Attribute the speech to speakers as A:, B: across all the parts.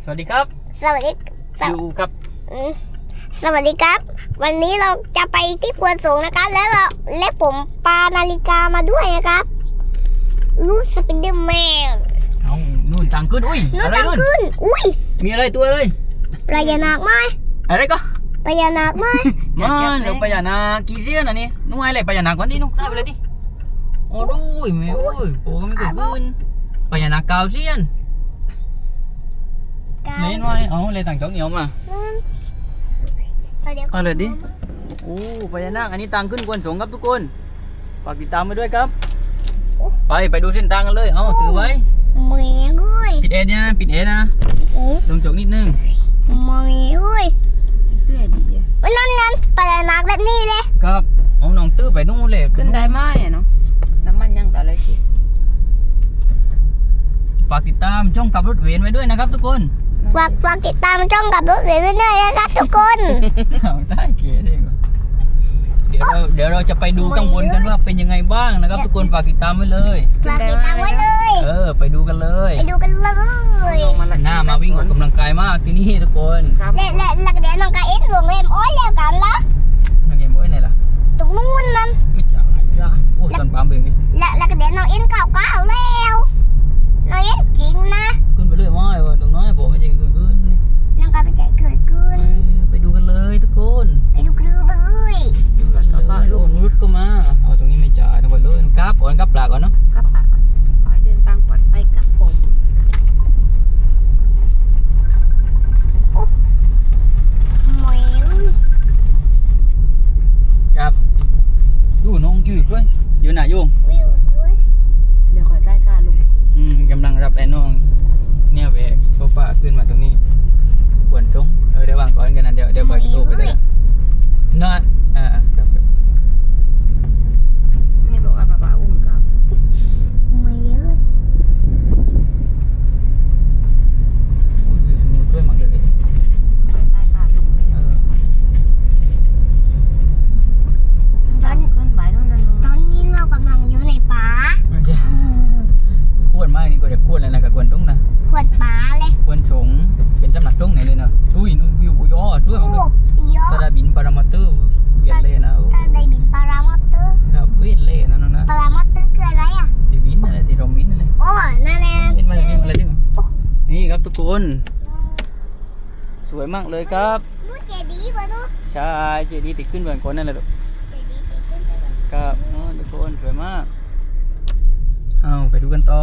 A: สวัสดีครับ
B: สวัสดี
A: อยู่กับ
B: สวัสดีครับวันนี้เราจะไปที่ควนสูงนะครับและผมปานาฬิกามาด้วยนะครับรูปสไปเดอร์แมน
A: เอานู่นตังขึ้นอุ้ยอะไรนู่น
B: อุ้ย
A: มีอะไรตัวเลย
B: พญานาคไหม
A: อะไรก็
B: พญานาคไหม
A: มันเดี๋ยวพญานาคกี่เสี้ยนอันนี้นู่นอะไรพญานาคก่อนที่นู่นได้ไปเลยดิโอ้ดูไม่โอ้ยโอ้ก็ไม่เกิดขึ้นพญานาคเก่าเสี้ยนไม่น้อยเอาเลยต่างจ้องเหนียวมาเอาเลยดิโอ้พญานาคอันนี้ตังขึ้นควนสูงครับทุกคนฝากติดตามไปด้วยครับไปดูเส้นทางกันเลยเอาถือไว้
B: มองเงี้ยด้วย
A: ปิดเอนะปิดเอนะลงจกนิดนึง
B: มองเงี้ยด้วยนั่นพญานาคแบบนี้เลย
A: ครับเอาน้องตื้อไปนู่นเลย
C: ขึ้นได้ไหมเนาะน้ำมันยังต่อเลยสิ
A: ฝากติดตามช่องขับรถเวนไว้ด้วยนะครับทุกคน
B: ฝากติดตามช่องขับรถเวนไว้ด้วยนะครับทุกคน
A: ได้เก๋เลยเดี๋ยวเราจะไปดูข้างบนกันว่าเป็นยังไงบ้างนะครับทุกคนฝากติดตามไว้เลย
B: ฝากติดตามไว้เลย
A: ไปดูกันเลยหน้ามาวิ่งออกกำลังกายมากที่นี่ทุกคน
B: และเดี๋ยวน้องกายเอ็นหลวงเอ็มอ้อยแล้วกันละ
A: น้องเอ็มอ้อยไหนล่ะ
B: ตรงนู้นนั่น
A: ไม่จ่ายจ้าโอ้สันปามเบงนี่
B: และเดี๋ยวน้องเอ็นเก่าแล้วน้องเอ็นจริงนะ
A: ขึ้นไปเรื่อยไม่ว่าตรงน้อยบอกไม่ใจเกิดขึ้น
B: น้องกายไปใจเกิดขึ้น
A: ไปดูกันเลยทุกคน
B: ไปดูกันเลย
A: โอ้รุดก็มาเอาตรงนี้ไม่จ่ายต้องไปเลยกราฟก่อนกราฟปลาก่อนเนาะ
C: กลับปากก่อนขอให้เดินทางปลอดภัยครับผม
A: ครับดูน้องยืดด้วยอยู่ไหนโยง
C: เดี๋ยวขอได้ค่าลุง
A: กำลังรับไอ้น้องเนี่ยแบกโซฟาขึ้นมาตรงนี้ปวดตรงเดี๋ยววางก่อนกันนะเดี๋ยวไปตู้ไปเลยนอนครับ
C: นี่บอกว่าป้าอุ้มกับ
B: ไม่เยอะ
A: วิวตรงนู้นด้วยมากเลย
C: ขอได้ค่าลุงเลยตอนขึ้นไปนู่นนั่น
B: ตอนนี้เรากำลังอยู่ในป่า
A: ขวดมากนี่ก็จะขวดอะไรนะกับขวดตรงนะ
B: ขวดป่าเลย
A: ขวดสงเป็นจำหนักตรงไหนเลยนะอุ้ยนู่นวิวย้อด้วยมั้งตาดาบินปารามอเตอร์เวียนเลยนะ
B: ตาดาบินปารามอเตอร์
A: ครับเวียนเลยนะน้องนะ
B: ปารามอเตอร์คืออะไรอ่ะ
A: ที่บินอะไรที่เราบินอะไร
B: โอ้นั่นแหละ
A: บินมาอะไรที่นี่ครับทุกคนสวยมากเลยครับ
B: นู่นเจดีย์วะนู่น
A: ใช่เจดีย์ติดขึ้นเหมือนคนนั่นแหละครับทุกคนสวยมากเอาไปดูกันต่อ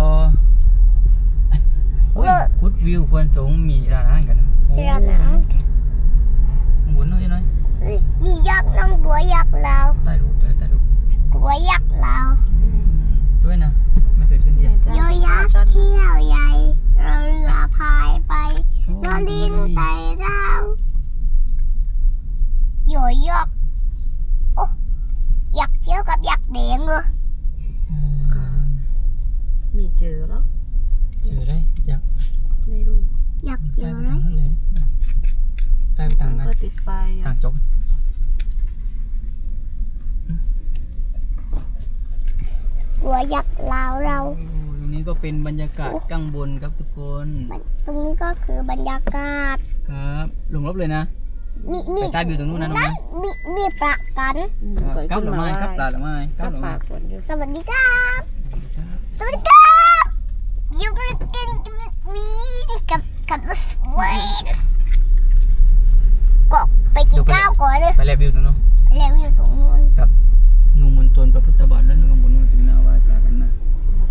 A: คุดวิวควรสูงมีร้านอาหารกัน
B: ร้านอาหาร
A: หมุนหน่อยหน่อย
B: มียักษ์น้องกลัวยักษ์เรา
A: ใต้รูป
B: กลัวยักษ์เรา
A: ช่วยนะไม่เคยขึ้นเดียว
B: โยยักษ์เที่ยวใหญ่เราเรือพายไปโยลินไต่เราโยยักษ์โอ้ยักษ์เชี่ยวกับยักษ์แดงเหรอ
C: มีเจอแล้ว
A: เจอได้ยักษ์
C: ไม่รู้
B: ยักษ์เจอไหม
A: ใต้ไปทางนั้น
C: ก็ติดไฟ
A: ต่างจก
B: กลัวยักษ์เรา
A: ตรงนี้ก็เป็นบรรยากาศข้างบนครับทุกคน
B: ตรงนี้ก็คือบรรยากาศ
A: ครับลงรบเลยนะ
B: มี
A: ใต้วิวตรงนู้นนะน้องนะ
B: มีปลากัน
A: กับหรือไม่กับปลาหรือไม่กับหรือไม่
B: สวัสดีครับสวัสดีครับอยู่กันมีกับรถเว้ยก็ไปกินข้าวก่อนเลย
A: ไปแลวิวตรงนู้น
B: แลวิวตรงนู้น
A: กับนูมณฑลพระพุทธบาทและนูมณฑลถึงนาไหว้ปลากันนะ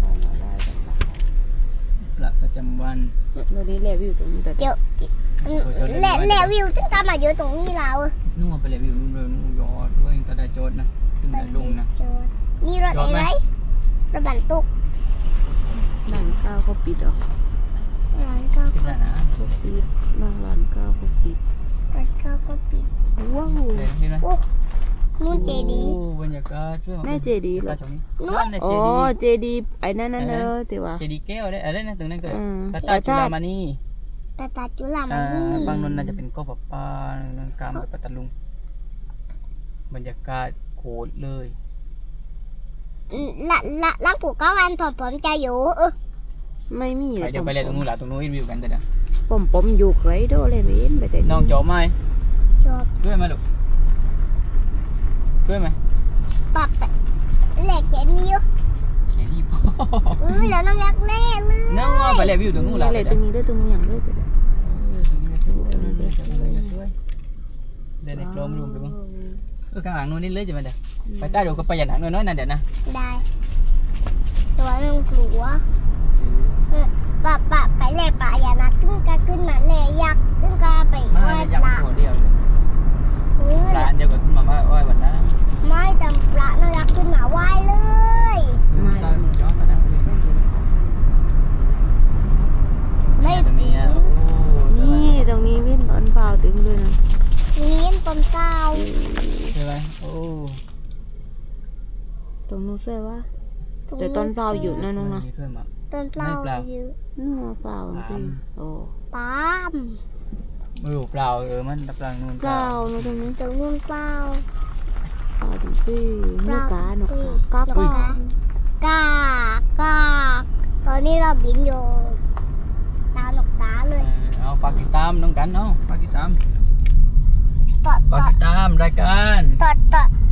A: ปลาประจำวัน
C: วันนี้แลวิวตรงนี้แต่
B: เดี๋ยวแลวิวจึงตามมาเยอะตรงนี้เรา
A: นู่นไปแลวิวนู่นเลยนู่นยอดด้วยตาได้โจดนะถึงได้ลงนะ
B: มีรถอะไรรถบรรทุก
C: ร้านข้าวเขาปิดหรอ
B: ร้านข้าว
A: ก็
C: ปิดร้านข้าวเขาปิด
B: ร้านข้าวก็ปิด
C: ว้าว
B: โอ้นู่นเจดีย์
A: บรรยากาศ
C: แม่เจดีย์เหรอโอ้เจดีย์ไอ้นั่นเนอะแต่ว่า
A: เจดีย์แก้วอะไรนะตรงนั้นก็ตาจุฬามณี
B: ตาจุฬามณี
A: บางนนน่าจะเป็นก็ปลากามปัตตลุงบรรยากาศโคตรเลย
B: ล้างผูกก็วันผมจะอยู่
C: ไม่มี
A: เดี๋ยวไปเลยตรงนู้นแหละตรงนู้นวิวกันเดี๋ยว
C: ผมอยู่ไรโดเลยไม่เห็นไปแต่
A: น้องจบไหม
B: จบ
A: ช่วยไหมลูกช่วยไหม
B: ปับเหล็กเห็นมีอยู่
A: แค่นี้พอ
B: แล้วน้องยักษ์เล่เลย
A: เนื้อไปเลยวิวตรงนู้น
C: นี่
A: ละ
C: เลยตรงนี้ด้วยตรงนี้อย่างด้วย
A: เดินในโครมรูมไปบ้างข้างหลังนู้นนี่เลยจะมาเดี๋ยวไปใต้ดูก็ไปอย่างหนักน้อยๆนั่นเดี๋ยวนะ
B: ได้ตัวน้องกลัวปะไปเลยปะอย่านักขึ้นมาเลยยักษ์ขึ้นก็ไป
A: มา
B: ไหว้
A: ยัง
B: ปลา
A: หัวเดียวร้านเดียวกับมาไหว้วันละ
B: ไม่จำปลาน้องยักษ์ขึ้นมาไหว้เลย
A: ย้อนก็ได้ไม่ตรงนี้อ่ะ
C: นี่ตรงนี้วิ่งตอนเปล่าตึงเลยนะ
B: เลี้ยนปมเศร้า
A: ใช่ไหมโอ้
C: ตรงนู้นใช่ว่าแต่ตอนเปล่าอยู่นะน้องนะ
B: ต้นเปล่าอยู่
C: นู่นเปล่าจริงโอ้
B: ปาม
A: มือเปล่ามันตะปลังนู่น
C: เปล่านะตรงนี้
B: ตรงนู้นเปล่า
C: เปล่าถึงพี่นกกาหนกกา
B: แล้วก็กากตอนนี้เราบินอยู่ตามนกกาเลย
A: เอาฝากติดตามน้องกันเนาะฝากติดตาม
B: ตอด
A: ฝากติดตามรายการ
B: ตอด